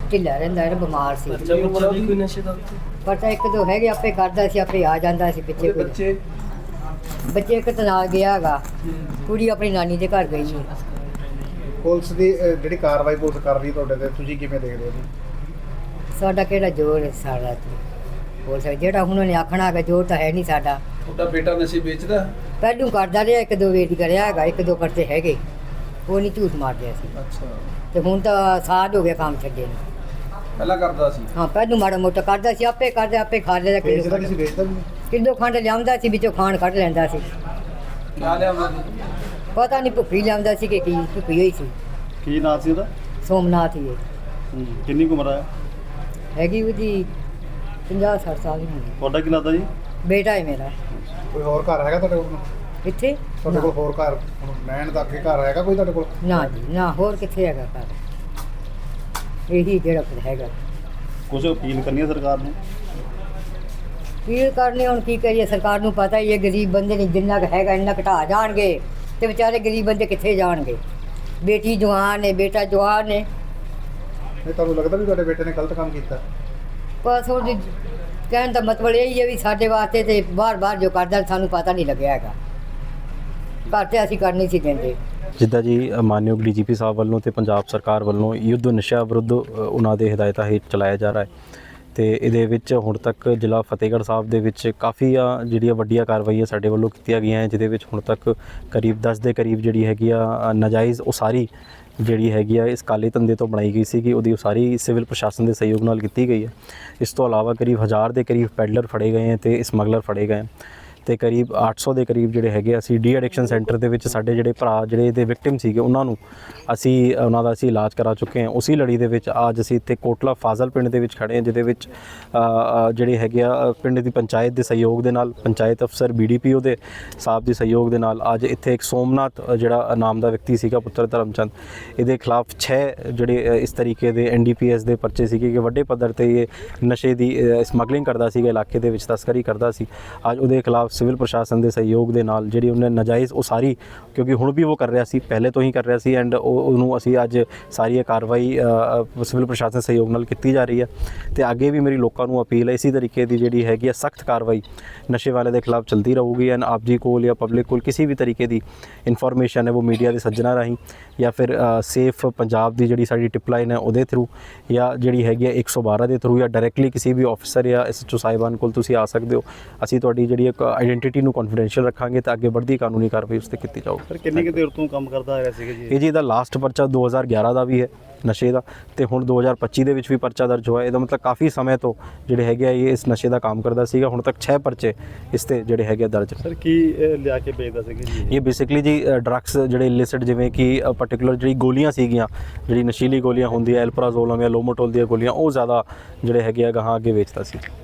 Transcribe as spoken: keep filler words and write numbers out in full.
ਢਿੱਲਾ ਰਹਿੰਦਾ era ਬਿਮਾਰ ਸੀ। ਬੱਚਾ ਬੁੱਚਾ ਵੀ ਕੋਈ ਨਸ਼ੇ ਦਾ ਪਤਾ ਇੱਕ ਦੋ ਹੈਗੇ, ਆਪੇ ਕਰਦਾ ਸੀ, ਆਪੇ ਆ ਜਾਂਦਾ ਸੀ ਪਿੱਛੇ। ਕੋਈ ਬੱਚੇ ਬੱਚੇ ਇੱਕ ਤਾਂ ਨਾਲ ਗਿਆ ਹੈਗਾ, ਕੁੜੀ ਆਪਣੀ ਨਾਨੀ ਦੇ ਘਰ ਗਈ ਹੈ। ਪੁਲਿਸ ਦੀ ਅਹ, ਜਿਹੜੀ ਕਾਰਵਾਈ ਪੁਲਿਸ ਕਰ ਰਹੀ ਤੁਹਾਡੇ ਤੇ, ਤੁਸੀਂ ਕਿਵੇਂ ਦੇਖਦੇ ਹੋ ਜੀ? ਸਾਡਾ ਕਿਹੜਾ ਜ਼ੋਰ ਹੈ ਸਾਡਾ ਬੋਲ ਸਕਦੇ, ਜਿਹੜਾ ਹੁਣ ਉਹਨੇ ਆਖਣਾ ਹੈਗਾ ਜ਼ੋਰ ਤਾਂ ਹੈ ਨਹੀਂ ਸਾਡਾ। ਤੁਹਾਡਾ ਬੇਟਾ ਨਸ਼ੇ ਵੇਚਦਾ? ਪਹਿਲੂ ਕਰਦਾ ਰਿਹਾ, ਇੱਕ ਦੋ ਵੇਰੀ ਕਰਿਆ ਹੈਗਾ, ਇੱਕ ਦੋ ਕਰਤੇ ਹੈਗੇ, ਉਹ ਨਹੀਂ ਝੂਠ ਮਾਰਦੇ ਸੀ। ਅੱਛਾ, ਤੇ ਹੁਣ ਤਾਂ ਸਾਲ ਹੋ ਗਿਆ ਕੰਮ ਛੱਡੇ ਨੂੰ। ਪਹਿਲਾਂ ਕਰਦਾ ਸੀ? ਹਾਂ, ਪਹਿਲੂ ਮਾੜਾ ਮੋਟਾ ਕਰਦਾ ਸੀ, ਆਪੇ ਕਰਦੇ ਆਪੇ ਖਾ ਲੈਂਦਾ। ਵੇਚਦਾ ਕਿਲੋ ਕਿਸੇ ਵੇਚਦਾ ਵੀ ਨਹੀਂ? ਕਿਲੋ ਖੰਡ ਲਿਆਉਂਦਾ ਸੀ, ਵਿੱਚੋਂ ਖਾਣ ਕੱਢ ਲੈਂਦਾ ਸੀ। ਕਿਆ ਲਿਆਉਂਦਾ ਸੀ? ਪਤਾ ਨਹੀਂ ਭੁੱਖੀ ਲਿਆਉਂਦਾ ਸੀ ਕਿ ਕੀ ਭੁੱਖੀ ਹੋਈ ਸੀ। ਕੀ ਨਾਂ ਸੀ ਉਹਦਾ? ਸੋਮਨਾਥ ਹੀ ਹੈ। ਕਿੰਨੀ ਕੁ ਉਮਰ ਹੈ? ਹੈਗੀ ਉਹਦੀ ਪੰਜਾਹ ਸੱਠ ਸਾਲ ਦੀ ਹੋਣੀ। ਤੁਹਾਡਾ ਕੀ ਲੱਗਦਾ ਜੀ? ਬੇਟਾ ਹੈ ਮੇਰਾ। ਕੋਈ ਹੋਰ ਘਰ ਹੈਗਾ ਤੁਹਾਡੇ ਕੋਲ? ਇੱਥੇ ਤੁਹਾਡੇ ਕੋਲ ਹੋਰ ਘਰ ਰਹਿਣ ਦਾ ਅੱਗੇ ਘਰ ਹੈਗਾ ਕੋਈ ਤੁਹਾਡੇ ਕੋਲ? ਨਾ ਜੀ ਨਾ, ਹੋਰ ਕਿੱਥੇ ਹੈਗਾ ਘਰ, ਇਹੀ ਜਿਹੜਾ ਫਿਰ ਹੈਗਾ। ਕੁਝ ਅਪੀਲ ਕਰਨੀ ਹੈ ਸਰਕਾਰ ਨੂੰ? ਕੀ ਕਰਨੇ ਹੁਣ, ਕੀ ਕਰੀਏ, ਸਰਕਾਰ ਨੂੰ ਪਤਾ ਹੀ ਹੈ ਗਰੀਬ ਬੰਦੇ ਨੇ ਜਿੰਨਾ ਕੁ ਹੈਗਾ ਇੰਨਾ ਘਟਾ ਜਾਣਗੇ ਤੇ ਵਿਚਾਰੇ ਗਰੀਬ ਬੰਦੇ ਕਿੱਥੇ ਜਾਣਗੇ। ਬੇਟੀ ਜਵਾਨ ਹੈ, ਬੇਟਾ ਜਵਾਨ ਹੈ। ਨਹੀਂ, ਤੁਹਾਨੂੰ ਲੱਗਦਾ ਵੀ ਤੁਹਾਡੇ ਬੇਟੇ ਨੇ ਗਲਤ ਕੰਮ ਕੀਤਾ? ਬਸ ਉਹਦੀ ਕਹਿਣ ਦਾ ਮਤਲਬ ਇਹ ਹੀ ਹੈ ਵੀ ਸਾਡੇ ਵਾਸਤੇ ਤੇ ਬਾਹਰ ਬਾਹਰ ਜੋ ਕਰਦਾ ਸਾਨੂੰ ਪਤਾ ਨਹੀਂ ਲੱਗਿਆ ਹੈਗਾ, ਘਰ ਤੇ ਅਸੀਂ ਕਰ ਨਹੀਂ ਸੀ ਦਿੰਦੇ। ਜਿੱਦਾਂ ਜੀ ਮਾਨਯੋਗ ਡੀ ਜੀ ਪੀ ਸਾਹਿਬ ਵੱਲੋਂ ਤੇ ਪੰਜਾਬ ਸਰਕਾਰ ਵੱਲੋਂ ਯੁੱਧ ਨਸ਼ਾ ਵਿਰੁੱਧ ਉਹਨਾਂ ਦੇ ਹਦਾਇਤਾਂ ਹੇਠ ਚਲਾਇਆ ਜਾ ਰਿਹਾ ਹੈ ਤੇ ਇਹਦੇ ਵਿੱਚ ਹੁਣ ਤੱਕ ਜ਼ਿਲ੍ਹਾ ਫਤਿਹਗੜ੍ਹ ਸਾਹਿਬ ਦੇ ਵਿੱਚ ਕਾਫੀ ਆ ਜਿਹੜੀਆਂ ਵੱਡੀਆਂ ਕਾਰਵਾਈਆਂ ਸਾਡੇ ਵੱਲੋਂ ਕੀਤੀਆਂ ਗਈਆਂ ਹੈ, ਜਿਹਦੇ ਵਿੱਚ ਹੁਣ ਤੱਕ ਕਰੀਬ ਦਸ ਦੇ ਕਰੀਬ ਜਿਹੜੀ ਹੈਗੀ ਆ ਨਾਜਾਇਜ਼ ਉਸਾਰੀ ਜਿਹੜੀ ਹੈਗੀ ਆ ਇਸ ਕਾਲੇ ਧੰਦੇ ਤੋਂ ਬਣਾਈ ਗਈ ਸੀ ਕਿ ਉਹਦੀ ਉਸਾਰੀ ਸਿਵਲ ਪ੍ਰਸ਼ਾਸਨ ਦੇ ਸਹਿਯੋਗ ਨਾਲ ਕੀਤੀ ਗਈ ਹੈ। ਇਸ ਤੋਂ ਇਲਾਵਾ ਕਰੀਬ ਹਜ਼ਾਰ ਦੇ ਕਰੀਬ ਪੈਡਲਰ ਫੜੇ ਗਏ ਹੈ ਤੇ ਸਮਗਲਰ ਫੜੇ ਗਏ ਤੇ ਕਰੀਬ ਅੱਠ ਸੌ ਦੇ ਕਰੀਬ ਜਿਹੜੇ ਹੈਗੇ ਅਸੀਂ ਡੀ ਐਡਿਕਸ਼ਨ ਸੈਂਟਰ ਦੇ ਵਿੱਚ ਸਾਡੇ ਜਿਹੜੇ ਭਰਾ ਜਿਹੜੇ ਇਹਦੇ ਵਿਕਟਿਮ ਸੀਗੇ ਉਹਨਾਂ ਨੂੰ ਅਸੀਂ ਉਹਨਾਂ ਦਾ ਅਸੀਂ ਇਲਾਜ ਕਰਾ ਚੁੱਕੇ ਹਾਂ। ਉਸੇ ਲੜੀ ਦੇ ਵਿੱਚ ਅੱਜ ਅਸੀਂ ਇੱਥੇ ਕੋਟਲਾ ਫਾਜ਼ਲ ਪਿੰਡ ਦੇ ਵਿੱਚ ਖੜੇ ਹਾਂ, ਜਿਹਦੇ ਵਿੱਚ ਜਿਹੜੇ ਹੈਗੇ ਆ ਪਿੰਡ ਦੀ ਪੰਚਾਇਤ ਦੇ ਸਹਿਯੋਗ ਦੇ ਨਾਲ, ਪੰਚਾਇਤ ਅਫਸਰ ਬੀ ਡੀ ਪੀ ਓ ਦੇ ਸਾਹਿਬ ਦੇ ਸਹਿਯੋਗ ਦੇ ਨਾਲ ਅੱਜ ਇੱਥੇ ਇੱਕ ਸੋਮਨਾਥ ਜਿਹੜਾ ਨਾਮ ਦਾ ਵਿਅਕਤੀ ਸੀਗਾ ਪੁੱਤਰ ਧਰਮਚੰਦ, ਇਹਦੇ ਖਿਲਾਫ ਛੇ ਜਿਹੜੇ ਇਸ ਤਰੀਕੇ ਦੇ ਐਨ ਡੀ ਪੀ ਐਸ ਦੇ ਪਰਚੇ ਸੀਗੇ ਕਿ ਵੱਡੇ ਪੱਧਰ ਤੇ ਇਹ ਨਸ਼ੇ ਦੀ ਸਮਗਲਿੰਗ ਕਰਦਾ ਸੀਗਾ, ਇਲਾਕੇ ਦੇ ਵਿੱਚ ਤਸਕਰੀ ਕਰਦਾ ਸੀ। ਅੱਜ ਉਹਦੇ ਖਿਲਾਫ ਸਿਵਲ ਪ੍ਰਸ਼ਾਸਨ ਦੇ ਸਹਿਯੋਗ ਦੇ ਨਾਲ ਜਿਹੜੀ ਉਹਨੇ ਨਾਜਾਇਜ਼ ਉਸਾਰੀ, ਕਿਉਂਕਿ ਹੁਣ ਵੀ ਉਹ ਕਰ ਰਿਹਾ ਸੀ, ਪਹਿਲੇ ਤੋਂ ਹੀ ਕਰ ਰਿਹਾ ਸੀ ਐਂਡ ਉਹਨੂੰ ਅਸੀਂ ਅੱਜ ਸਾਰੀ ਕਾਰਵਾਈ ਸਿਵਲ ਪ੍ਰਸ਼ਾਸਨ ਸਹਿਯੋਗ ਨਾਲ ਕੀਤੀ ਜਾ ਰਹੀ ਹੈ ਤੇ ਅੱਗੇ ਵੀ ਮੇਰੀ ਲੋਕਾਂ ਨੂੰ ਅਪੀਲ ਹੈ ਇਸੇ ਤਰੀਕੇ ਦੀ ਜਿਹੜੀ ਹੈਗੀ ਹੈ ਸਖਤ ਕਾਰਵਾਈ ਨਸ਼ੇ ਵਾਲੇ ਦੇ ਖਿਲਾਫ ਚਲਦੀ ਰਹੂਗੀ ਐਂਡ ਆਪ ਜੀ ਕੋਲ ਜਾਂ ਪਬਲਿਕ ਕੋਲ ਕਿਸੇ ਵੀ ਤਰੀਕੇ ਦੀ ਇਨਫੋਰਮੇਸ਼ਨ ਹੈ ਉਹ ਮੀਡੀਆ ਦੇ ਸੱਜਣਾ ਰਾਹੀਂ ਜਾਂ ਫਿਰ ਸੇਫ ਪੰਜਾਬ ਦੀ ਜਿਹੜੀ ਸਾਡੀ ਟਿਪ ਲਾਈਨ ਹੈ ਉਹਦੇ ਥਰੂ ਜਾਂ ਜਿਹੜੀ ਹੈਗੀ ਹੈ ਇੱਕ ਸੌ ਬਾਰਾਂ ਦੇ ਥਰੂ ਜਾਂ ਡਾਇਰੈਕਟਲੀ ਕਿਸੇ ਵੀ ਆਫਿਸਰ ਜਾਂ ਐਸ ਐਚ ਓ ਸਾਹਿਬਾਨ ਕੋਲ ਤੁਸੀਂ ਆ ਸਕਦੇ ਹੋ। ਅਸੀਂ ਤੁਹਾਡੀ ਜਿਹੜੀ ਇੱਕ ਆਈਡੈਂਟੀਟੀ ਨੂੰ ਕੌਨਫੀਡੈਂਸ਼ੀਅਲ ਰੱਖਾਂਗੇ ਤਾਂ ਅੱਗੇ ਵੱਧਦੀ ਕਾਨੂੰਨੀ ਕਾਰਵਾਈ ਉਸ 'ਤੇ ਕੀਤੀ ਜਾਊਗੀ। ਸਰ ਕਿੰਨੀ ਕੁ ਦੇਰ ਤੋਂ ਕੰਮ ਕਰਦਾ ਹੈਗਾ ਸੀਗਾ ਜੀ ਇਹ ਜੀ ਇਹਦਾ ਲਾਸਟ ਪਰਚਾ ਦੋ ਹਜ਼ਾਰ ਗਿਆਰਾਂ ਦਾ ਵੀ ਹੈ ਨਸ਼ੇ ਦਾ ਤੇ ਹੁਣ ਦੋ ਹਜ਼ਾਰ ਪੱਚੀ ਦੇ ਵਿੱਚ ਵੀ ਪਰਚਾ ਦਰਜ ਹੋਇਆ। ਇਹਦਾ ਮਤਲਬ ਕਾਫੀ ਸਮੇਂ ਤੋਂ ਜਿਹੜੇ ਹੈਗੇ ਆ ਇਹ ਇਸ ਨਸ਼ੇ ਦਾ ਕੰਮ ਕਰਦਾ ਸੀਗਾ। ਹੁਣ ਤੱਕ ਛੇ ਪਰਚੇ ਇਸ 'ਤੇ ਜਿਹੜੇ ਹੈਗੇ ਆ ਦਰਜ। ਸਰ ਕੀ ਲਿਆ ਕੇ ਵੇਚਦਾ ਸੀਗਾ ਜੀ ਇਹ ਬੇਸਿਕਲੀ ਜੀ ਡਰੱਗਸ ਜਿਹੜੇ ਇਲਿਸਿਟ ਜਿਵੇਂ ਕਿ ਪਰਟੀਕੂਲਰ ਜਿਹੜੀ ਗੋਲੀਆਂ ਸੀਗੀਆਂ, ਜਿਹੜੀ ਨਸ਼ੀਲੀ ਗੋਲੀਆਂ ਹੁੰਦੀਆਂ ਐਲਪਰਾਜ਼ੋਲ ਜਾਂ ਲੋਮੋਟੋਲ ਦੀਆਂ ਗੋਲੀਆਂ, ਉਹ ਜ਼ਿਆਦਾ ਜਿਹੜੇ ਹੈਗੇ ਆ ਗਾਹਾਂ ਅੱਗੇ ਵੇਚਦਾ ਸੀ।